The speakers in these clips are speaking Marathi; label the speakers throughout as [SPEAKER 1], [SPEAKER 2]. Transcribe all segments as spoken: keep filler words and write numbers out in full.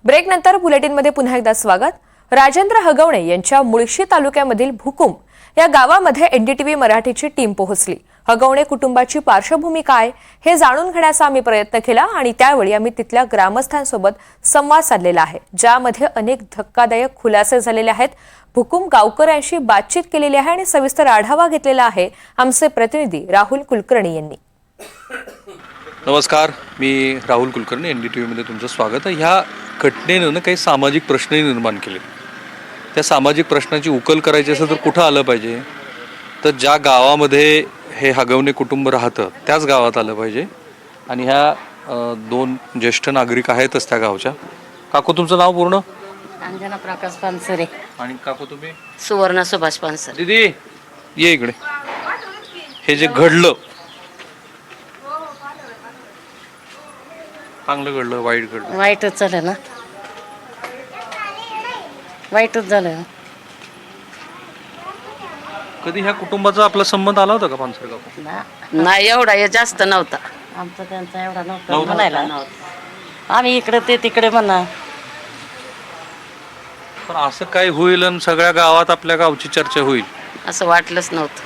[SPEAKER 1] ब्रेकनंतर बुलेटिनमध्ये पुन्हा एकदा स्वागत। राजेंद्र हगवणे यांच्या मुळशी तालुक्यामधील भुकुम या गावामध्ये एनडीटीव्ही मराठीची टीम पोहोचली। हगवणे कुटुंबाची पार्श्वभूमी काय हे जाणून घेण्याचा आम्ही प्रयत्न केला आणि त्यावेळी आम्ही तिथल्या ग्रामस्थांसोबत संवाद साधलेला आहे, ज्यामध्ये अनेक धक्कादायक खुलासे झालेले आहेत। भुकुम गावकऱ्यांशी बातचीत केलेली आहे आणि सविस्तर आढावा घेतलेला आहे आमचे प्रतिनिधी राहुल कुलकर्णी यांनी।
[SPEAKER 2] नमस्कार, मी राहुल कुलकर्णी, एनडीटीव्हीमध्ये तुमचं स्वागत आहे। ह्या घटनेनं काही सामाजिक प्रश्नही निर्माण केले। त्या सामाजिक प्रश्नाची उकल करायची असेल तर कुठं आलं पाहिजे, तर ज्या गावामध्ये हे हगवणे कुटुंब राहतं त्याच गावात आलं पाहिजे। आणि ह्या दोन ज्येष्ठ नागरिक आहेतच त्या गावच्या। काकू, तुमचं नाव पूर्ण?
[SPEAKER 3] अंजना प्रकाश पानसरे।
[SPEAKER 2] आणि काकू तुम्ही?
[SPEAKER 3] सुवर्ण सुभाष पानसरे।
[SPEAKER 2] दीदी ये इकडे। हे जे घडलं, चांगलं घडलं वाईट घडलं?
[SPEAKER 3] वाईटच झालं ना, वाईटच झालं।
[SPEAKER 2] कधी ह्या कुटुंबाचा आपला संबंध आला होता का पानसरे काकू?
[SPEAKER 3] नाही, एवढा हे जास्त नव्हता आमचा त्यांचा, एवढा नव्हता म्हणायला। आम्ही इकडे ते तिकडे म्हणा,
[SPEAKER 2] पण असं काय होईल आणि सगळ्या गावात आपल्या गावची चर्चा होईल
[SPEAKER 3] असं वाटलंच नव्हतं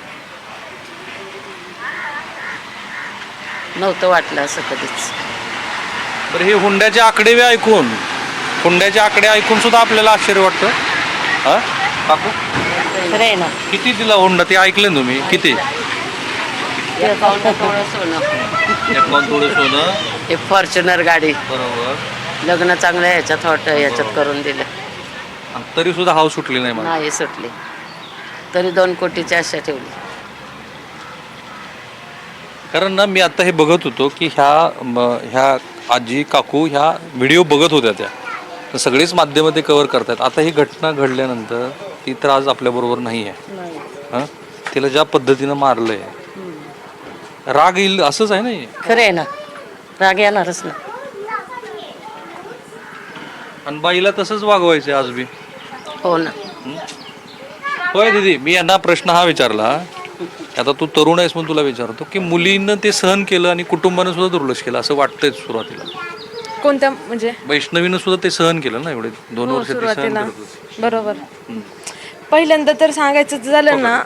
[SPEAKER 3] नव्हतं वाटलं असं कधीच।
[SPEAKER 2] तर हे हुंड्याचे आकडे ऐकून हुंड्याचे आकडे ऐकून सुद्धा आपल्याला आश्चर्य वाटतं। हा काकू,
[SPEAKER 3] खरं आहे ना?
[SPEAKER 2] किती दिला हुंडा ते ऐकले ना तुम्ही? किती?
[SPEAKER 3] एकावन्न तोळं सोनं,
[SPEAKER 2] एकावन्न तोळे सोनं,
[SPEAKER 3] एक फॉर्च्युनर गाडी,
[SPEAKER 2] बरोबर।
[SPEAKER 3] लग्न चांगलं ह्याच्यात हॉट ह्याच्यात करून दिलं,
[SPEAKER 2] तरी सुद्धा हाव सुटली नाही मला।
[SPEAKER 3] नाही सुटली, तरी दोन कोटीची आशा ठेवली।
[SPEAKER 2] कारण ना, मी आता हे बघत होतो की ह्या ह्या आजी काकू ह्या व्हिडिओ बघत होत्या, त्या तर सगळीच माध्यम ते कव्हर करतात। आता ही घटना घडल्यानंतर ती तर आज आपल्याबरोबर नाही आहे। हां, तिला ज्या पद्धतीनं मारलंय, राग येईल असंच आहे ना?
[SPEAKER 3] खरं आहे ना, राग येणारच ना।
[SPEAKER 2] आणि बाईला तसंच वागवायचं आज बी?
[SPEAKER 3] हो ना।
[SPEAKER 2] होय दीदी, मी यांना प्रश्न हा विचारला, आता तू तरुण आहेस म्हणून तुला विचारतो की मुलीनं ते सहन केलं आणि कुटुंबानं सुद्धा दुर्लक्ष केलं असं वाटतंय सुरुवातीला?
[SPEAKER 1] कोणत्या म्हणजे?
[SPEAKER 2] वैष्णवीनं सुद्धा ते सहन केलं ना, एवढे दोन वर्ष ते सहन
[SPEAKER 1] सुरुवातीला
[SPEAKER 2] करत होते।
[SPEAKER 1] बरोबर। पहिल्यांदा तर सांगायचं झालं ना,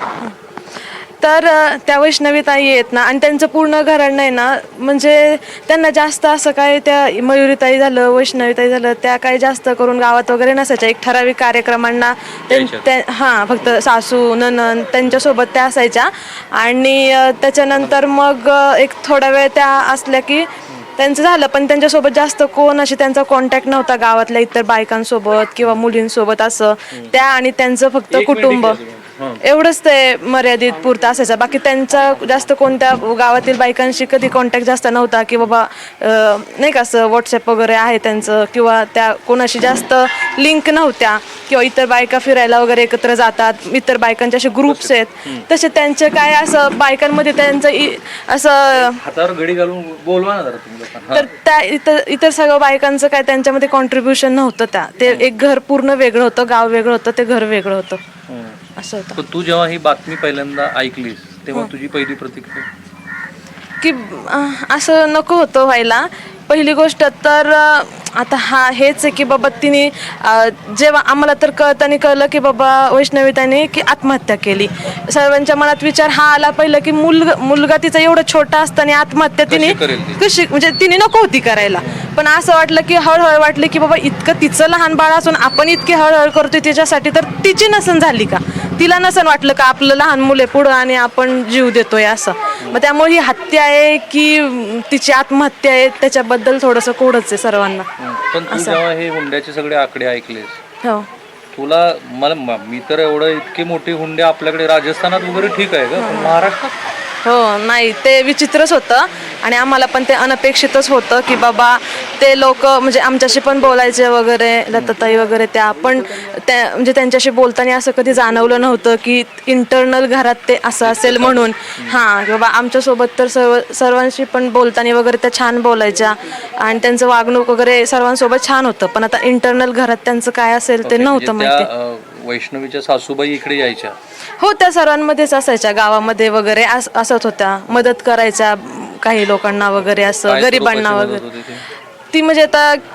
[SPEAKER 1] तर त्या वैष्णवी ताई आहेत ना, आणि त्यांचं पूर्ण घराणं आहे ना, म्हणजे त्यांना जास्त असं काय, त्या मयुरीताई झालं, वैष्णवीताई झालं, त्या काही जास्त करून गावात वगैरे नसायच्या। एक ठराविक कार्यक्रमांना हां, फक्त सासू ननंद त्यांच्यासोबत त्या असायच्या। आणि त्याच्यानंतर मग एक थोडा वेळ त्या असल्या की त्यांचं झालं, पण त्यांच्यासोबत जास्त कोण अशी त्यांचा कॉन्टॅक्ट नव्हता गावातल्या इतर बायकांसोबत किंवा मुलींसोबत असं। त्या आणि त्यांचं फक्त कुटुंब एवढंच ते मर्यादित पुरतं असायचं। बाकी त्यांचा जास्त कोणत्या गावातील बायकांशी कधी कॉन्टॅक्ट जास्त नव्हता, की बाबा नाही का असं व्हॉट्सअप वगैरे आहे त्यांचं, किंवा त्या कोणाशी जास्त लिंक नव्हत्या, किंवा इतर बायका फिरायला वगैरे एकत्र जातात, इतर बायकांचे असे ग्रुप्स आहेत, तसे त्यांचे काय असं बायकांमध्ये त्यांचं असं
[SPEAKER 2] हातावर घडी घालून बोलवा ना जरा तुम्ही लोकांना।
[SPEAKER 1] तर त्या इतर इतर सगळं बायकांचं काय त्यांच्यामध्ये कॉन्ट्रीब्युशन नव्हतं। त्या ते एक घर पूर्ण वेगळं होतं, गाव वेगळं होतं, ते घर वेगळं होतं असं होतं।
[SPEAKER 2] पण तू जेव्हा ही बातमी पहिल्यांदा ऐकलीस तेव्हा तुझी पहिली प्रतिक्रिया
[SPEAKER 1] की असं नको होतं व्हायला? पहिली गोष्ट तर आता हा हेच आहे की बाबा तिने जेव्हा आम्हाला तर कळताना कळलं की बाबा वैष्णवीताईने की आत्महत्या केली, सर्वांच्या मनात विचार हा आला पहिलं की मुलगा मुलगा तिचा एवढा छोटा असताना आत्महत्या तिने कशी, म्हणजे तिने नको होती करायला। पण असं वाटलं की हळूहळू वाटलं की बाबा इतकं तिचं लहान बाळ असून आपण इतकी हळूहळू करतोय तिच्यासाठी, तर तिची नसन झाली का? तिला नसन वाटलं का आपलं लहान मुले पुढं आणि आपण जीव देतोय असं? मग त्यामुळे ही हत्या आहे की तिची आत्महत्या आहे त्याच्याबद्दल थोडंसं कोडच आहे सर्वांना।
[SPEAKER 2] पण तू जेव्हा हे हुंड्याचे सगळे आकडे ऐकलेस,
[SPEAKER 1] हो,
[SPEAKER 2] तुला मला मी तर एवढं इतके मोठे हुंडे आपल्याकडे राजस्थानात वगैरे ठीक आहे का, पण महाराष्ट्रात?
[SPEAKER 1] हो, नाही ते विचित्रच होतं आणि आम्हाला पण ते अनपेक्षितच होतं की बाबा ते लोक म्हणजे आमच्याशी पण बोलायचे वगैरे, लताताई वगैरे, त्या पण त्या म्हणजे त्यांच्याशी बोलताना असं कधी जाणवलं नव्हतं की इंटरनल घरात ते असं असेल म्हणून। हां, बाबा आमच्यासोबत तर सर्व सर्वांशी पण बोलताना वगैरे त्या छान बोलायच्या आणि त्यांचं वागणूक वगैरे सर्वांसोबत छान होतं, पण आता इंटरनल घरात त्यांचं काय असेल ते नव्हतं माहिती।
[SPEAKER 2] वैष्णवीच्या सासूबाई इकडे यायच्या?
[SPEAKER 1] हो, त्या सर्वांमध्येच असायच्या, गावामध्ये वगैरे असत होत्या, मदत करायच्या काही लोकांना वगैरे, असं गरिबांना वगैरे। ती म्हणजे आता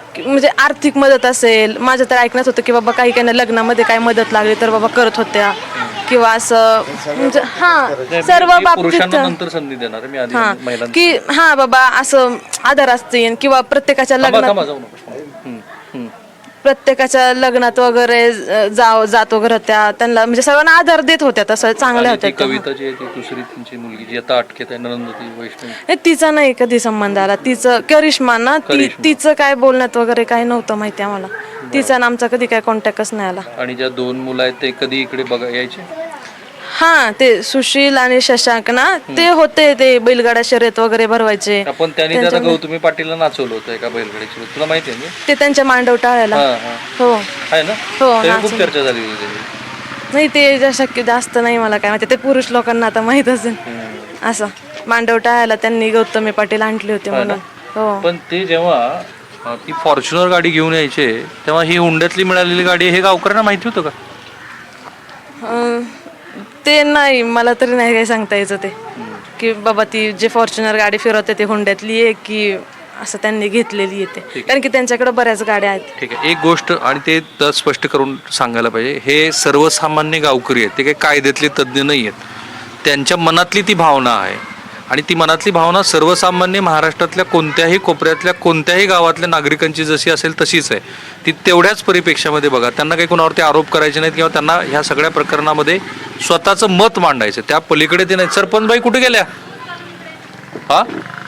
[SPEAKER 1] की म्हणजे आर्थिक मदत असेल, माझं तर ऐकण्यात होतं की बाबा काही काही लग्नामध्ये काय मदत लागली तर बाबा करत होत्या किंवा असं म्हणजे हा सर्व
[SPEAKER 2] मी पुरुषांना
[SPEAKER 1] बाबतीत
[SPEAKER 2] नंतर संधी देणार आहे, मी आधी
[SPEAKER 1] हा
[SPEAKER 2] महिलांना.
[SPEAKER 1] की हा बाबा असं आधार असतील किंवा प्रत्येकाच्या
[SPEAKER 2] थांबा
[SPEAKER 1] लग्नात
[SPEAKER 2] थांबा जाऊ नको. हम्म, हम्म.
[SPEAKER 1] प्रत्येकाच्या लग्नात वगैरे अ, जाव जात वगैरे होत्या, त्यांना म्हणजे सर्वांना आधार देत होत्या, तसं चांगल्या
[SPEAKER 2] आणि ती
[SPEAKER 1] होत्या त्या.
[SPEAKER 2] कविता जी आहे ती दुसरी त्यांची मुलगी जी आता अटकेत आहे, नंदती वैष्णवी,
[SPEAKER 1] हे तिचा नाही कधी संबंध आला, तिचं करिश्मा ना ती
[SPEAKER 2] करिश्मा.
[SPEAKER 1] तिचं काय बोलण्यात वगैरे काही नव्हतं माहिती आम्हाला. तिचा ना आमचा कधी काय कॉन्टॅक्टच नाही आला.
[SPEAKER 2] आणि ज्या दोन मुलं आहेत ते कधी इकडे बघा यायचे?
[SPEAKER 1] हा ते सुशील आणि शशांक ना ते होते, ते बैलगाडा शर्यत वगैरे भरवायचे.
[SPEAKER 2] आपण त्यांनी त्याला गौतमी पाटीलला नाचवलं होतं एका बैलगाडीची, तुला माहिती आहे ना?
[SPEAKER 1] ते त्यांच्या मांडव टाळायला
[SPEAKER 2] हा हा
[SPEAKER 1] हो
[SPEAKER 2] आहे ना,
[SPEAKER 1] हो,
[SPEAKER 2] तेव्हा खूप
[SPEAKER 1] नाचवलं.
[SPEAKER 2] चर्चा झाली होती त्याची.
[SPEAKER 1] नाही ते जा- शक्य जास्त नाही मला काय माहिती, ते पुरुष लोकांना आता माहित असेल. असं मांडव टाळायला त्यांनी गौतमी पाटील आणले होते म्हणून. हो
[SPEAKER 2] पण ते जेव्हा अं, ती फॉर्च्युनर गाडी घेऊन यायचे तेव्हा ही हुंड्यातली मिळालेली गाडी आहे हे गावकऱ्यांना माहिती होतं का?
[SPEAKER 1] अं, ते नाही मला तरी नाही काही सांगता यायचं ते की बाबा ती जे फॉर्च्युनर गाडी फिरवते ती हुंड्यातली आहे की असं त्यांनी घेतलेली आहे ते, कारण की त्यांच्याकडे बऱ्याच गाड्या आहेत.
[SPEAKER 2] ठीक आहे, एक गोष्ट आणि ते तर स्पष्ट करून सांगायला पाहिजे, हे सर्वसामान्य गावकरी आहेत, ते काही कायद्यातले तज्ज्ञ नाही आहेत, त्यांच्या मनातली ती भावना आहे आणि ती मनातली भावना सर्वसामान्य महाराष्ट्रातल्या कोणत्याही कोपऱ्यातल्या कोणत्याही गावातल्या नागरिकांची जशी असेल तशीच आहे. ती तेवढ्याच परिपेक्षामध्ये बघा, त्यांना काही कोणावरती आरोप करायचे नाहीत किंवा त्यांना ह्या सगळ्या प्रकरणामध्ये स्वतःचं मत मांडायचं, त्या पलीकडे ते नाही. सरपंचबाई कुठे गेल्या? हा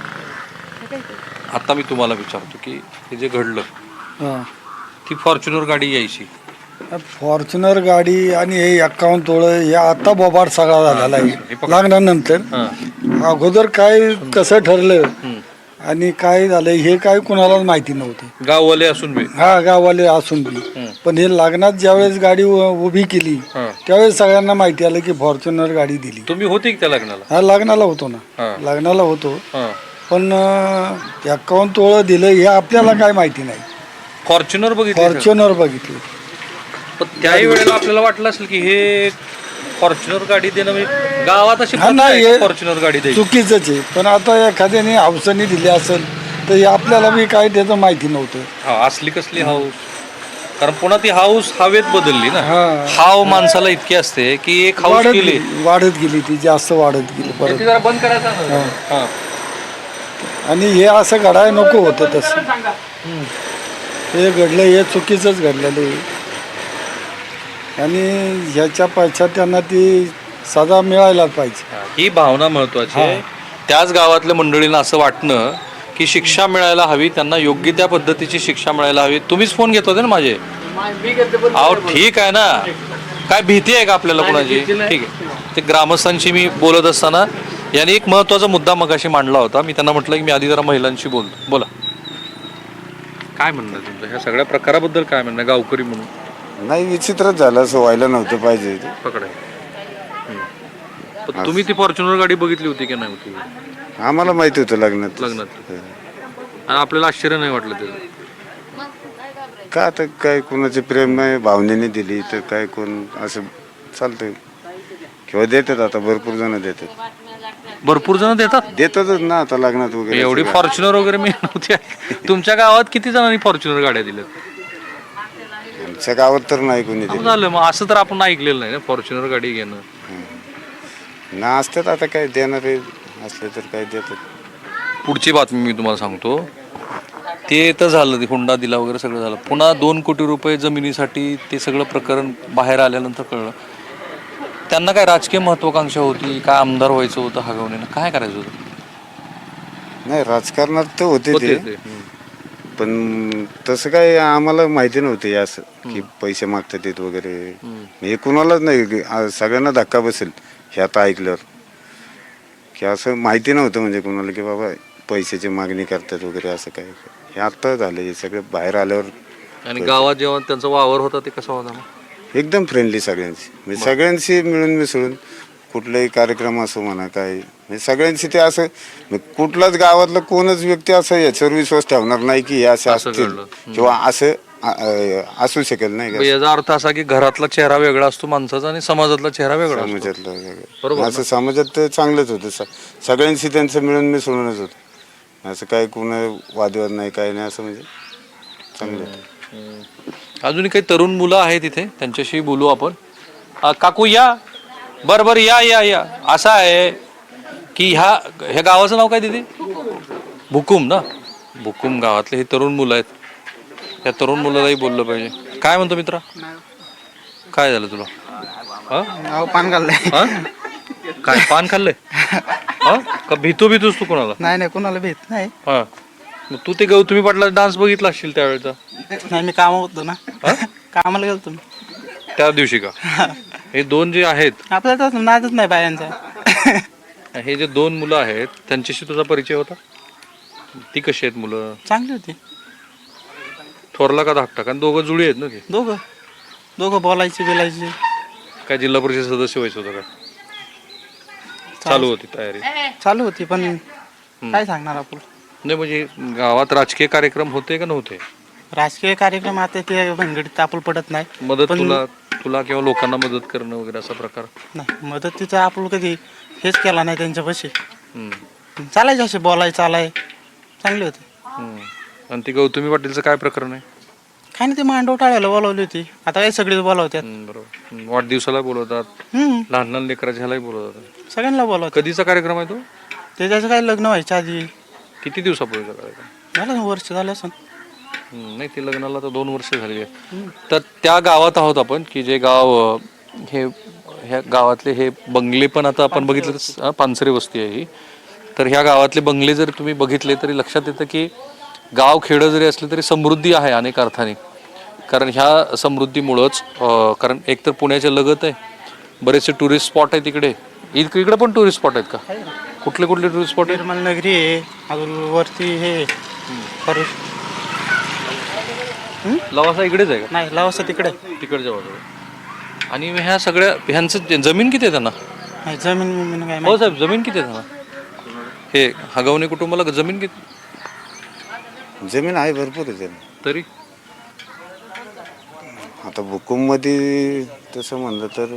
[SPEAKER 2] आता मी तुम्हाला विचारतो की हे जे घडलं ती फॉर्च्युनर गाडी यायची,
[SPEAKER 4] फॉर्च्युनर गाडी आणि हे एक्कावन्न तोळ हे आता बोबाड सगळा झालेला आहे लागल्यानंतर. अगोदर काय कसं ठरलं आणि काय झालं हे काय कुणालाच माहिती नव्हतं,
[SPEAKER 2] गाववाले असून बी.
[SPEAKER 4] हा गाववाले असून बी. पण हे लग्नात ज्यावेळेस गाडी उ- उभी केली त्यावेळेस सगळ्यांना माहिती आलं की फॉर्च्युनर गाडी दिली.
[SPEAKER 2] तुम्ही होते की त्या लग्नाला?
[SPEAKER 4] हा लग्नाला होतो ना, लग्नाला होतो. पण एक्कावन्न तोळ दिलं हे आपल्याला काय माहिती नाही.
[SPEAKER 2] फॉर्च्युनर बघितलं,
[SPEAKER 4] फॉर्च्युनर बघितलं.
[SPEAKER 2] पण त्याही वेळेला आपल्याला वाटलं असेल की हे फॉर्च्युनर गाडी देणं म्हणजे गावात अशी
[SPEAKER 4] हा नाही, हे
[SPEAKER 2] फॉर्च्युनर गाडी द्यायची.
[SPEAKER 4] चुकीचंच आहे. पण आता एखाद्याने हौसाने दिली असेल तर हे आपल्याला बी काय त्याचं माहिती नव्हतं.
[SPEAKER 2] हा, असली कसली हाऊस, कारण पुन्हा ती हाऊस हवेत बदलली ना.
[SPEAKER 4] हा.
[SPEAKER 2] हाव माणसाला इतकी असते की एक हाऊस
[SPEAKER 4] वाढत
[SPEAKER 2] केली
[SPEAKER 4] गेली वाढत गेली ती जास्त वाढत गेली
[SPEAKER 2] ते
[SPEAKER 4] परत.
[SPEAKER 2] जरा बंद करायचं ना. हा.
[SPEAKER 4] आणि हे असं घडायला नको होतं तसं. हे घडलं हे चुकीचंच घडलेलं आहे आणि ह्याच्या पश्चात त्यांना ती सजा मिळायला पाहिजे.
[SPEAKER 2] ही भावना महत्वाची आहे. त्याच गावातल्या मंडळींना असं वाटणं की शिक्षा मिळायला हवी, त्यांना योग्य त्या पद्धतीची शिक्षा मिळायला हवी. तुम्हीच फोन घेत होते ना माझे? अहो ठीक आहे ना, काय भीती आहे का आपल्याला कोणाची? ठीक आहे, ते ग्रामस्थांशी मी बोलत असताना यांनी एक महत्वाचा मुद्दा मगाशी मांडला होता. मी त्यांना म्हटलं की मी आधी जरा महिलांशी बोलतो. बोला, काय म्हणणं तुमचं ह्या सगळ्या प्रकाराबद्दल? काय म्हणणं गावकरी म्हणून?
[SPEAKER 5] नाही, विचित्रच झालं, असं व्हायला नव्हतं पाहिजे.
[SPEAKER 2] पकडाय पण तुम्ही ती फॉर्च्युनर गाडी बघितली होती की नाही होती?
[SPEAKER 5] आम्हाला माहिती होतं लग्नात.
[SPEAKER 2] लग्नात आणि आपल्याला आश्चर्य नाही वाटलं त्याचं?
[SPEAKER 5] का आता काय कोणाचे प्रेम नाही, भावनेने दिली तर काय कोण असं चालतंय किंवा देतात. आता भरपूर जण देतात,
[SPEAKER 2] भरपूर जण देतात
[SPEAKER 5] देतातच ना आता लग्नात वगैरे.
[SPEAKER 2] एवढी फॉर्च्युनर वगैरे मी नव्हती. तुमच्या गावात किती जणांनी फॉर्च्युनर गाड्या दिल्यात?
[SPEAKER 5] आमच्या गावात तर नाही कोणी
[SPEAKER 2] अहो,
[SPEAKER 5] दिली
[SPEAKER 2] झालं मग असं तर आपण ऐकलेलं नाही ना फॉर्च्युनर गाडी घेणं.
[SPEAKER 5] ना. असतात आता काय देणारे असले तर काय देतात.
[SPEAKER 2] पुढची बातमी मी तुम्हाला सांगतो. ते तर झालं, ते हुंडा दिला वगैरे सगळं झालं. पुन्हा दोन कोटी रुपये जमिनीसाठी ते सगळं प्रकरण बाहेर आल्यानंतर कळलं त्यांना काय राजकीय महत्वाकांक्षा होती, काय आमदार व्हायचं होतं हगवणीनं, काय करायचं होतं?
[SPEAKER 5] नाही, राजकारणात तर होते
[SPEAKER 2] होते
[SPEAKER 5] ते,
[SPEAKER 2] ते.
[SPEAKER 5] पण तसं काय आम्हाला माहिती नव्हतं हे असं की पैसे मागतात येत वगैरे. हे कुणालाच नाही, आ- सगळ्यांना धक्का बसेल हे आता ऐकल्यावर की असं माहिती नव्हतं म्हणजे कुणाला की बाबा पैशाची मागणी करतात वगैरे असं काय. हे आत्ता झालं, हे सगळं बाहेर आल्यावर.
[SPEAKER 2] आणि गावात जेव्हा त्यांचा वावर होता ते कसा होता मग?
[SPEAKER 5] एकदम फ्रेंडली सगळ्यांशी, म्हणजे सगळ्यांशी मिळून मिसळून कुठलाही कार्यक्रम असो म्हणा काय, म्हणजे सगळ्यांशी ते असं म्हणजे कुठलाच गावातला कोणच व्यक्ती असं याच्यावर विश्वास ठेवणार नाही की हे असं
[SPEAKER 2] असं
[SPEAKER 5] असतील
[SPEAKER 2] घडलं.
[SPEAKER 5] किंवा असं अ, अ, असू शकेल नाही
[SPEAKER 2] मग
[SPEAKER 5] का.
[SPEAKER 2] याचा अर्थ असा की घरातला चेहरा वेगळा असतो माणसाचा आणि समाजातला चेहरा वेगळा असतो.
[SPEAKER 5] समाजातलं
[SPEAKER 2] बरोबर
[SPEAKER 5] वेगळं. असं समाजात तर चांगलंच होतं, स- सगळ्यांशी त्यांचं मिळून मिसळूनच होतं. असं काय कोण वादविवाद नाही काय नाही, असं म्हणजे चांगलं होतं.
[SPEAKER 2] अजूनही काही तरुण मुलं आहेत इथे, त्यांच्याशी बोलू आपण. अ, काकू या, बरं बरं या या या. असं आहे की ह्या ह्या गावाचं नाव काय दिदी? भुकुम ना. भुकुम गावातले हे तरुण मुलं आहेत. या तरुण मुलालाही बोललं पाहिजे. काय म्हणतो मित्रा, काय झालं तुला? हा?
[SPEAKER 6] पान खाल्लंय.
[SPEAKER 2] हा? काय पान खाल्लंय? हा? का भीतो भीतोस तू कोणाला?
[SPEAKER 6] नाही नाही कोणाला भेट नाही.
[SPEAKER 2] हा, मग तू ते गौतमी पाटला डान्स बघितला असशील त्यावेळेचा.
[SPEAKER 6] नाही मी कामावर होतो ना. कामाला गेलो तुम्ही
[SPEAKER 2] त्या दिवशी का? हे दोन जे आहेत,
[SPEAKER 6] आपल्याला तर नादच नाही बायांचा.
[SPEAKER 2] हे जे दोन मुलं आहेत त्यांच्याशी तुझा परिचय होता? ती कशी आहेत मुलं?
[SPEAKER 6] चांगली होती.
[SPEAKER 2] थोरला का धाकटा? कारण दोघं जुळी आहेत ना ते.
[SPEAKER 6] दोघं दोघं बोलायचे बोलायचे.
[SPEAKER 2] काय जिल्हा परिषद सदस्य व्हायचं होतं का? चालू होती तयारी?
[SPEAKER 6] चालू होती पण काय सांगणार आपण.
[SPEAKER 2] नाही म्हणजे गावात राजकीय कार्यक्रम होते का नव्हते?
[SPEAKER 6] राजकीय कार्यक्रम आता ते भनगडीत आपण पडत नाही.
[SPEAKER 2] मदत
[SPEAKER 6] पण-
[SPEAKER 2] तुला तुला किंवा लोकांना मदत करणं वगैरे असा प्रकार?
[SPEAKER 6] नाही मदतीचं आपण कधी हेच केला नाही त्यांच्यापाशी.
[SPEAKER 2] हम्म.
[SPEAKER 6] चालायचे असे बोलाय चालाय चांगले होते.
[SPEAKER 2] हम्म. आणि ती गौतमी पाटीलचं काय प्रकरण आहे?
[SPEAKER 6] काय नाही ते मांडव टाळायला बोलावली होती. आता काय सगळेच बोलावतात.
[SPEAKER 2] हम्म, बरोबर. हम्म, वाढदिवसाला बोलवतात,
[SPEAKER 6] हम्म
[SPEAKER 2] लहान लहान लेकराच्या ह्यालाही बोलवतात.
[SPEAKER 6] सगळ्यांना बोलावतात.
[SPEAKER 2] कधीचा कार्यक्रम आहे तो?
[SPEAKER 6] त्याच्याचं काय लग्न व्हायच्या आधी
[SPEAKER 2] किती दिवसापूर्वीचा कार्यक्रम?
[SPEAKER 6] झालं ना वर्ष झालं असं.
[SPEAKER 2] हम्म, नाही ते लग्नाला तर दोन वर्ष झाली आहेत. तर त्या गावात आहोत आपण की जे गाव अं, हे ह्या गावातले हे बंगले पण आता आपण बघितलं तर, अं, पानसरे वस्ती आहे ही. तर ह्या गावातले बंगले जर तुम्ही बघितले तरी लक्षात येतं की गाव खेडं जरी असले तरी समृद्धी आहे अनेक अर्थाने. कारण ह्या समृद्धीमुळंच अं, कारण एक तर पुण्याच्या लगत आहे, बरेचसे टुरिस्ट स्पॉट आहेत इकडे. इक- इकडे पण टुरिस्ट स्पॉट आहेत का? कुठले कुठले टुरिस्ट स्पॉट आहेत?
[SPEAKER 6] निर्मल नगरी आहे अजून वरती हे परत
[SPEAKER 2] लवासा इकडेच आहे का?
[SPEAKER 6] नाही लावसा तिकडे.
[SPEAKER 2] तिकडच्या बाजूला. आणि ह्या सगळ्या ह्यांचं जमीन किती आहे त्यांना?
[SPEAKER 6] नाही जमीन बिमीन काय
[SPEAKER 2] हो
[SPEAKER 6] माहिती.
[SPEAKER 2] साहेब, जमीन किती आहे त्यांना? हे हगवणे कुटुंबाला जमीन किती?
[SPEAKER 5] जमीन आहे भरपूर आहे जमीन.
[SPEAKER 2] तरी
[SPEAKER 5] आता भुकुममध्ये तसं म्हणलं तर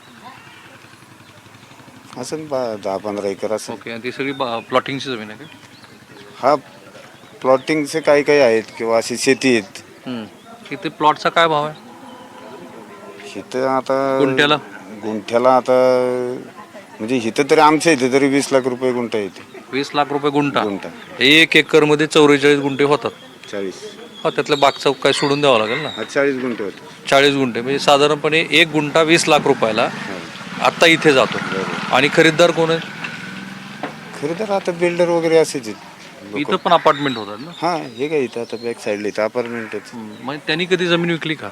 [SPEAKER 5] असं बा दहा पंधरा एकर असेल.
[SPEAKER 2] ओके. आणि ती सगळी प्लॉटिंगची जमीन आहे का?
[SPEAKER 5] हा प्लॉटिंगचे काही काही आहेत किंवा अशी शेती आहेत.
[SPEAKER 2] हम्म. इथे प्लॉटचा काय भाव आहे
[SPEAKER 5] इथं आता
[SPEAKER 2] गुंठ्याला?
[SPEAKER 5] गुंठ्याला आता म्हणजे इथं तरी आमच्या इथे तरी वीस लाख रुपये गुंठा येते.
[SPEAKER 2] वीस लाख रुपये गुंठा.
[SPEAKER 5] गुंठा
[SPEAKER 2] एक एकर मध्ये चौवेचाळीस गुंठे होतात.
[SPEAKER 5] चाळीस
[SPEAKER 2] हा, त्यातलं बागचा काय सोडून द्यावं लागेल ना.
[SPEAKER 5] हा चाळीस गुंठे होते.
[SPEAKER 2] चाळीस गुंठे म्हणजे साधारणपणे एक गुंठा वीस लाख रुपयाला आता इथे जातो. आणि खरीददार कोण आहे?
[SPEAKER 5] खरं तर आता बिल्डर वगैरे असेच आहेत.
[SPEAKER 2] इथं पण अपार्टमेंट होतात ना.
[SPEAKER 5] हा हे काय इथं आता बॅक साईडला इथं अपार्टमेंटच
[SPEAKER 2] मग त्यांनी कधी जमीन विकली का?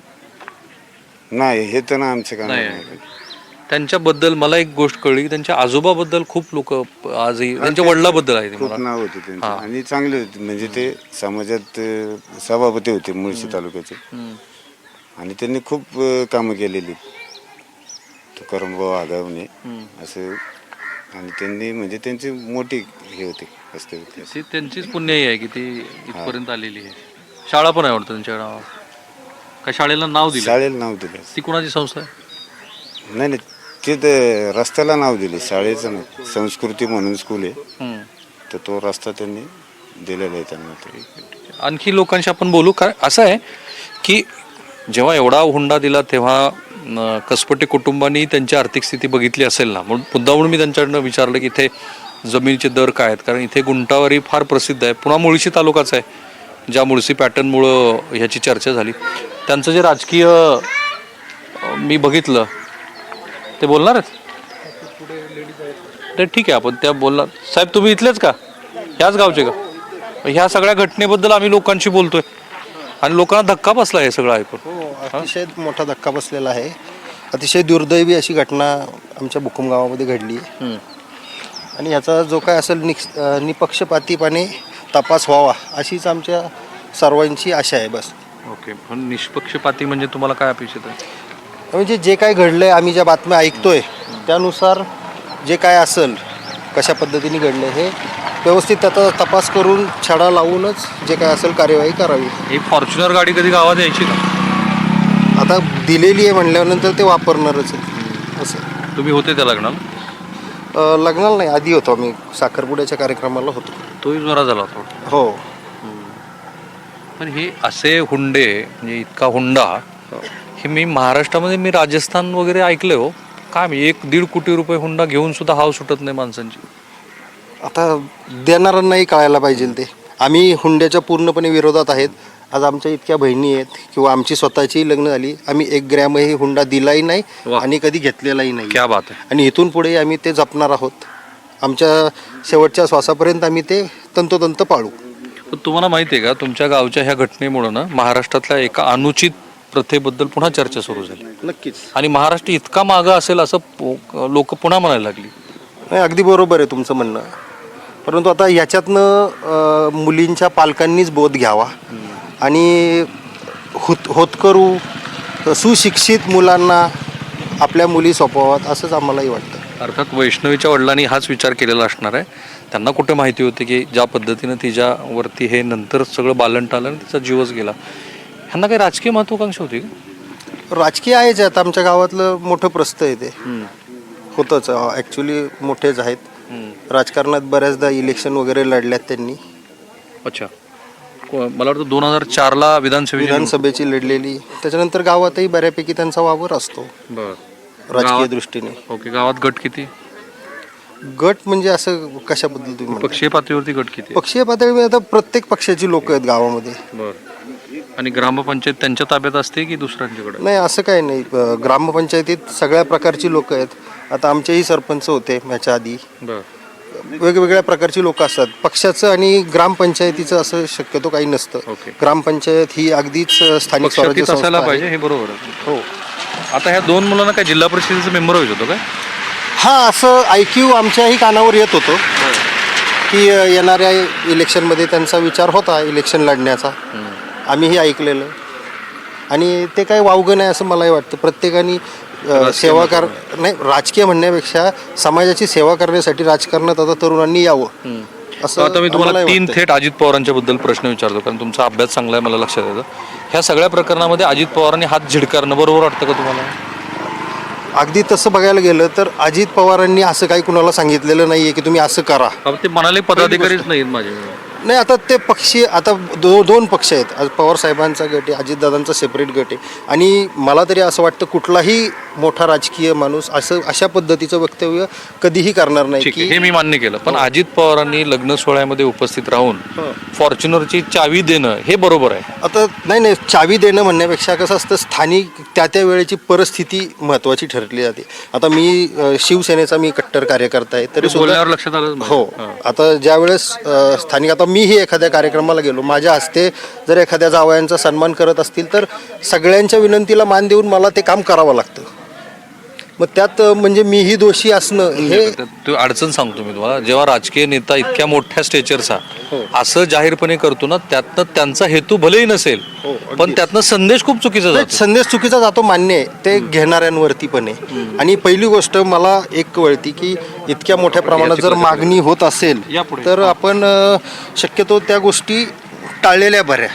[SPEAKER 5] नाही. हे तर ना आमचं काम
[SPEAKER 2] नाही.
[SPEAKER 5] नाही.
[SPEAKER 2] त्यांच्याबद्दल मला एक गोष्ट कळली की त्यांच्या आजोबाबद्दल खूप लोक आजही, त्यांच्या वडिलाबद्दल आहे ते
[SPEAKER 5] खूप
[SPEAKER 2] मला.
[SPEAKER 5] नाव होते त्यांचे आणि चांगले होते म्हणजे ते समाजात अं, सभापती होते मुळशी तालुक्याचे. आणि त्यांनी खूप अं, कामं केलेली. तुकारामभाऊ आगावणे असं. आणि त्यांनी म्हणजे त्यांची मोठी हे होते असते होते.
[SPEAKER 2] ती त्यांचीच पुण्याई आहे की ती इथपर्यंत आलेली आहे. शाळा पण आहे वाटतं त्यांच्या नावावर. का शाळेला नाव दिलं?
[SPEAKER 5] शाळेला नाव दिलं.
[SPEAKER 2] ती कोणाची संस्था आहे?
[SPEAKER 5] नाही नाही ते तर रस्त्याला नाव दिले, शाळेचं नाही. संस्कृती म्हणून स्कूल आहे
[SPEAKER 2] हम्म.
[SPEAKER 5] तर तो रस्ता त्यांनी दिलेला आहे त्यांना. तरी
[SPEAKER 2] आणखी लोकांशी आपण बोलू. कारण असं आहे की जेव्हा एवढा हुंडा दिला तेव्हा अं, कसपटे कुटुंबांनी त्यांची आर्थिक स्थिती बघितली असेल ना. म्हणून मुद्दा म्हणून मी त्यांच्याकडनं विचारलं की इथे जमिनीचे दर काय आहेत. कारण इथे गुंटावारी फार प्रसिद्ध आहे. पुन्हा मुळशी तालुकाच आहे, ज्या मुळशी पॅटर्नमुळं ह्याची चर्चा झाली. त्यांचं जे राजकीय अं, मी बघितलं ते बोलणार आहेत ते ठीक आहे, आपण त्या बोलणार. साहेब तुम्ही इथलेच का? ह्याच गावचे का? ह्या सगळ्या घटनेबद्दल आम्ही लोकांशी बोलतोय आणि लोकांना धक्का बसला हे सगळं ऐकून.
[SPEAKER 7] हो, अतिशय मोठा धक्का बसलेला आहे. अतिशय दुर्दैवी अशी घटना आमच्या भुकुम गावामध्ये घडली आहे. आणि याचा जो काय असेल निक्स अं, निपक्षपातीपणे तपास व्हावा अशीच आमच्या सर्वांची आशा आहे बस.
[SPEAKER 2] ओके. पण निष्पक्षपाती म्हणजे तुम्हाला काय अपेक्षित आहे?
[SPEAKER 7] म्हणजे जे काय घडलं आहे, आम्ही ज्या बातम्या ऐकतोय त्यानुसार जे काय असेल कशा पद्धतीने घडलं हे व्यवस्थित त्याचा तपास करून छडा लावूनच जे काय असेल कार्यवाही करावी.
[SPEAKER 2] ही फॉर्च्युनर गाडी कधी गावात यायची का?
[SPEAKER 7] आता दिलेली आहे म्हणल्यानंतर ते वापरणारच आहे असं.
[SPEAKER 2] तुम्ही होते त्या लग्नाला?
[SPEAKER 7] अं, लग्नाला नाही, आधी होतो आम्ही, साखरपुड्याच्या कार्यक्रमाला होतो.
[SPEAKER 2] तोही जोरा झाला होता.
[SPEAKER 7] हो.
[SPEAKER 2] पण हे असे हुंडे म्हणजे इतका हुंडा हे मी महाराष्ट्रामध्ये मी राजस्थान वगैरे ऐकलंय हो. काय म्हणजे एक दीड कोटी रुपये हुंडा घेऊन सुद्धा हाव सुटत नाही माणसांची.
[SPEAKER 7] आता देणाऱ्यांनाही कळायला पाहिजे ते. आम्ही हुंड्याच्या पूर्णपणे विरोधात आहेत. आज आमच्या इतक्या बहिणी आहेत किंवा आमची स्वतःची लग्न झाली, आम्ही एक ग्रॅमही हुंडा दिलाही नाही
[SPEAKER 2] वा.
[SPEAKER 7] आणि कधी घेतलेलाही नाही.
[SPEAKER 2] क्या बात आहे.
[SPEAKER 7] आणि इथून पुढे आम्ही ते जपणार आहोत. आमच्या शेवटच्या श्वासापर्यंत आम्ही ते तंतोतंत पाळू.
[SPEAKER 2] पण तुम्हाला माहिती आहे का तुमच्या गावच्या ह्या घटनेमुळं ना महाराष्ट्रातल्या एका अनुचित प्रथेबद्दल पुन्हा चर्चा सुरू झाली
[SPEAKER 7] नक्कीच.
[SPEAKER 2] आणि महाराष्ट्र इतका मागं असेल असं लोक पुन्हा म्हणायला लागली.
[SPEAKER 7] नाही, अगदी बरोबर आहे तुमचं म्हणणं. परंतु आता याच्यातनं अं, मुलींच्या पालकांनीच बोध घ्यावा आणि होत होतकरू सुशिक्षित मुलांना आपल्या मुली सोपवाव्यात असंच आम्हालाही वाटतं.
[SPEAKER 2] अर्थात वैष्णवीच्या वडिलांनी हाच विचार केलेला असणार आहे. त्यांना कुठे माहिती होती की ज्या पद्धतीनं तिच्यावरती हे नंतर सगळं बालन टालं आणि तिचा जीवच गेला. ह्यांना काही राजकीय महत्वाकांक्षा होती का?
[SPEAKER 7] राजकीय आहेच. आता आमच्या गावातलं मोठं प्रस्थ आहे ते होतंच. ॲक्च्युली मोठेच आहेत. राजकारणात बऱ्याचदा इलेक्शन वगैरे लढल्यात त्यांनी.
[SPEAKER 2] अच्छा. को- मला वाटतं दोन हजार चारला विधानसभेची
[SPEAKER 7] विधानसभेची लढलेली. त्याच्यानंतर गावातही बऱ्यापैकी त्यांचा वावर असतो
[SPEAKER 2] बरं.
[SPEAKER 7] राजकीय
[SPEAKER 2] गावात-
[SPEAKER 7] दृष्टीने.
[SPEAKER 2] ओके. गावात गट किती?
[SPEAKER 7] गट म्हणजे असं कशाबद्दल तुम्ही म्हणताय?
[SPEAKER 2] पक्षीय पातळीवरती गट किती?
[SPEAKER 7] पक्षीय पातळीवर आता प्रत्येक पक्षाची लोक आहेत गावामध्ये.
[SPEAKER 2] बरं. आणि ग्रामपंचायत त्यांच्या ताब्यात असते की दुसऱ्यांच्याकडे?
[SPEAKER 7] नाही, असं काही नाही. प- ग्रामपंचायतीत सगळ्या प्रकारची लोक आहेत. आता आमचेही सरपंच होते ह्याच्या आधी.
[SPEAKER 2] बरं.
[SPEAKER 7] वेगवेगळ्या प्रकारची लोक असतात. पक्षाचं आणि ग्रामपंचायतीचं असं शक्यतो काही नसतं.
[SPEAKER 2] ओके.
[SPEAKER 7] ग्रामपंचायत ही अगदीच स्थानिक स्वराज्य
[SPEAKER 2] पक्षातीत
[SPEAKER 7] संस्था
[SPEAKER 2] असायला
[SPEAKER 7] आहे.
[SPEAKER 2] पाहिजे हे बरोबर आहे.
[SPEAKER 7] हो.
[SPEAKER 2] आता ह्या दोन मुलांना काय जिल्हा परिषदेचं मेंबर व्हायचं होतं काय?
[SPEAKER 7] हा, असं ऐक्यू आमच्याही कानावर येत होतं की अ, येणाऱ्या इलेक्शनमध्ये त्यांचा विचार होता इलेक्शन लढण्याचा. आम्हीही ऐकलेलं आणि ते काही वावगं नाही असं मलाही वाटतं. प्रत्येकाने अ, सेवा कर नाही राजकीय म्हणण्यापेक्षा समाजाची सेवा करण्यासाठी राजकारणात आता तरुणांनी यावं असं
[SPEAKER 2] आता मी तुम्हाला
[SPEAKER 7] आम्हालाही
[SPEAKER 2] तीन
[SPEAKER 7] वाटतं.
[SPEAKER 2] थेट अजित पवारांच्या बद्दल प्रश्न विचारतो कारण तुमचा अभ्यास चांगला आहे मला लक्षात येतं. ह्या सगळ्या प्रकरणामध्ये अजित पवारांनी हात झिडकारणं बरोबर वाटतं का तुम्हाला?
[SPEAKER 7] अगदी तसं बघायला गेलं तर अजित पवारांनी असं काही कुणाला सांगितलेलं नाहीये की तुम्ही असं करा.
[SPEAKER 2] बाबा ते म्हणाले पदाधिकारीच नाहीत माझे.
[SPEAKER 7] नाही, आता ते पक्षी आता दो दोन पक्ष आहेत. आज पवार साहेबांचा गट आहे, अजितदादांचा सेपरेट गट आहे. आणि मला तरी असं वाटतं कुठलाही मोठा राजकीय माणूस असं अशा पद्धतीचं वक्तव्य कधीही करणार नाही
[SPEAKER 2] ठीक आहे,
[SPEAKER 7] की
[SPEAKER 2] हे मी मान्य केलं. पण अजित पवारांनी लग्न सोहळ्यामध्ये उपस्थित राहून फॉर्च्युनरची चावी देणं हे बरोबर आहे.
[SPEAKER 7] आता नाही नाही चावी देणं म्हणण्यापेक्षा कसं असतं स्थानिक त्या त्या वेळेची परिस्थिती महत्त्वाची ठरली जाते. आता मी अ, शिवसेनेचा मी कट्टर कार्यकर्ता आहे तरी सुद्धा
[SPEAKER 2] बोलण्यावर लक्षात आलं.
[SPEAKER 7] हो. आता ज्या वेळेस अ, स्थानिक आता मीही एखाद्या कार्यक्रमाला गेलो, माझ्या हस्ते जर एखाद्या जावयांचा सन्मान करत असतील तर सगळ्यांच्या विनंतीला मान देऊन मला ते काम करावं लागतं. मग त्यात अ, म्हणजे मीही दोषी असणं हे
[SPEAKER 2] तू अडचण सांगतो मी तुम्हाला. जेव्हा राजकीय नेता इतक्या मोठ्या स्टेचरचा असं जाहीरपणे करतो ना त्यातनं त्यांचा हेतू भलेही नसेल पण त्यातनं संदेश खूप चुकीचा
[SPEAKER 7] नाही,
[SPEAKER 2] जातो.
[SPEAKER 7] संदेश चुकीचा जातो मान्य आहे. ते घेणाऱ्यांवरती पण आहे. आणि पहिली गोष्ट मला एक कळती की इतक्या मोठ्या प्रमाणात जर मागणी होत असेल
[SPEAKER 2] यापुढे.
[SPEAKER 7] तर आपण अ, शक्यतो त्या गोष्टी टाळलेल्या बऱ्या.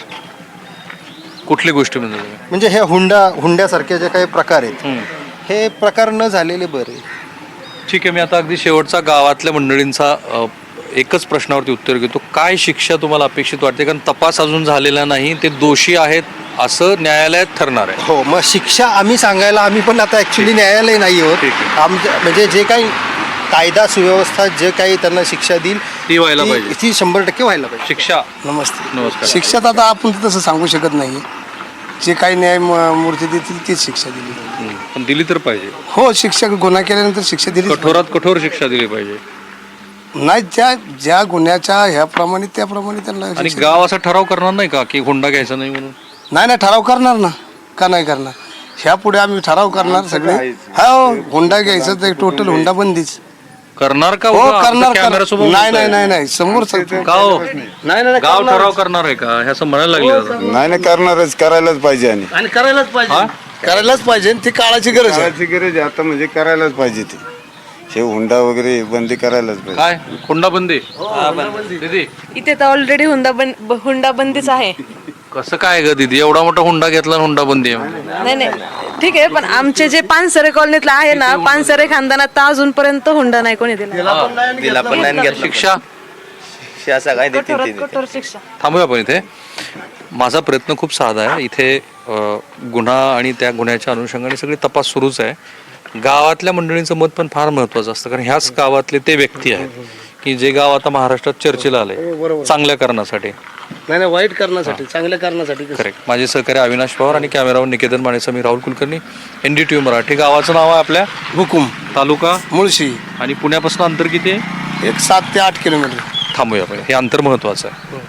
[SPEAKER 2] कुठली गोष्टी म्हणजे
[SPEAKER 7] म्हणजे ह्या हुंडा हुंड्यासारख्या जे काही प्रकार आहेत हे प्रकार न झालेले बरे.
[SPEAKER 2] ठीक आहे. मी आता अगदी शेवटचा गावातल्या मंडळींचा अ, एकच प्रश्नावरती उत्तर घेतो. काय शिक्षा तुम्हाला अपेक्षित वाटते? कारण तपास अजून झालेला नाही, ते दोषी आहेत असं न्यायालयात ठरणार आहे.
[SPEAKER 7] हो, मग शिक्षा आम्ही सांगायला आम्ही पण आता ॲक्च्युली न्यायालय नाही
[SPEAKER 2] ठीक
[SPEAKER 7] आहोत.
[SPEAKER 2] आहे.
[SPEAKER 7] आमच्या म्हणजे जे काही कायदा सुव्यवस्था जे काही त्यांना शिक्षा देईल
[SPEAKER 2] ती व्हायला
[SPEAKER 7] ती-
[SPEAKER 2] पाहिजे.
[SPEAKER 7] ती शंभर टक्के व्हायला पाहिजे.
[SPEAKER 2] शिक्षा.
[SPEAKER 8] नमस्ते.
[SPEAKER 2] नमस्कार.
[SPEAKER 8] शिक्षात आता आपण तसं सांगू शकत नाही. जे काही न्याय म- मूर्ती देतील तीच शिक्षा दिली पाहिजे.
[SPEAKER 2] हम्म. पण दिली तर पाहिजे.
[SPEAKER 8] हो, शिक्षा गुन्हा केल्यानंतर शिक्षा दिली
[SPEAKER 2] कठोरात कठोर शिक्षा दिली पाहिजे.
[SPEAKER 8] नाही. ज्या ज्या गुन्ह्याच्या ह्याप्रमाणे त्याप्रमाणे त्यांना
[SPEAKER 2] आणि
[SPEAKER 8] शिक्षा-
[SPEAKER 2] गाव असा ठराव करणार नाही का की हुंडा घ्यायचा नाही म्हणून?
[SPEAKER 8] नाही नाही ठराव करणार ना. का नाही करणार? ह्या पुढे आम्ही ठराव करणार सगळे. हो, हुंडा घ्यायचं तर टोटल हुंडा बंदीच
[SPEAKER 2] करणार का?
[SPEAKER 8] हो,
[SPEAKER 2] उगा
[SPEAKER 8] करणार
[SPEAKER 2] आता कॅमेरा समोर
[SPEAKER 8] नाही
[SPEAKER 2] बोलताय.
[SPEAKER 8] नाही नाही नाही समोर सांगतो.
[SPEAKER 2] का हो?
[SPEAKER 7] नाही नाही
[SPEAKER 2] गाव ठराव करणार आहे का हे असं म्हणायला लागले आता.
[SPEAKER 5] नाही नाही करणारच करायलाच पाहिजे आणि
[SPEAKER 7] आणि करायलाच पाहिजे.
[SPEAKER 2] हा?
[SPEAKER 8] करायलाच पाहिजे. ती काळाची गरज आहे.
[SPEAKER 5] करायची गरज आहे आता म्हणजे करायलाच पाहिजे ते हे हुंडा वगैरे बंदी करायलाच पाहिजे.
[SPEAKER 2] काय हुंडा बंदी? दीदी
[SPEAKER 1] इथे तर ऑलरेडी हुंडा बंद हुंडा बंदीच आहे.
[SPEAKER 2] कसं काय ग दीदी? एवढा मोठा हुंडा घेतला आणि हुंडा बंदी आहे.
[SPEAKER 1] नाही नाही ठीक आहे, पण आमचे जे पानसरे कॉलनीतलं आहे ना, पानसरे खानदानात तर अजूनपर्यंत हुंडा नाही कोणी दिला.
[SPEAKER 9] दिला पण नाही घेतला.
[SPEAKER 2] शिक्षा
[SPEAKER 9] शिक्षा काय देतील
[SPEAKER 1] कठोरात
[SPEAKER 9] ते देतील.
[SPEAKER 1] कठोर शिक्षा.
[SPEAKER 2] थांबूया आपण इथे. माझा प्रयत्न खूप साधा आहे. इथे अ, गुन्हा आणि त्या गुन्ह्याच्या अनुषंगाने सगळी तपास सुरूच आहे. गावातल्या मंडळींचं मत पण फार महत्त्वाचं असतं, कारण ह्याच गावातले ते व्यक्ती आहेत की जे गाव आता महाराष्ट्रात चर्चेला आले चांगल्या कारणासाठी.
[SPEAKER 8] नाही नाही वाईट करण्यासाठी चांगल्या करण्यासाठी कसं?
[SPEAKER 2] करेक्ट. माझे सहकारी अविनाश पवार आणि कॅमेरावर निकेतन मानेचा मी Rahul Kulkarni, N D T V Marathi. गावाचं नाव आहे आपल्या
[SPEAKER 8] हुकुम
[SPEAKER 2] तालुका
[SPEAKER 8] मुळशी
[SPEAKER 2] आणि पुण्यापासून अंतर किती आहे?
[SPEAKER 8] एक सात ते आठ किलोमीटर.
[SPEAKER 2] थांबूया आपण, हे अंतर महत्त्वाचं आहे.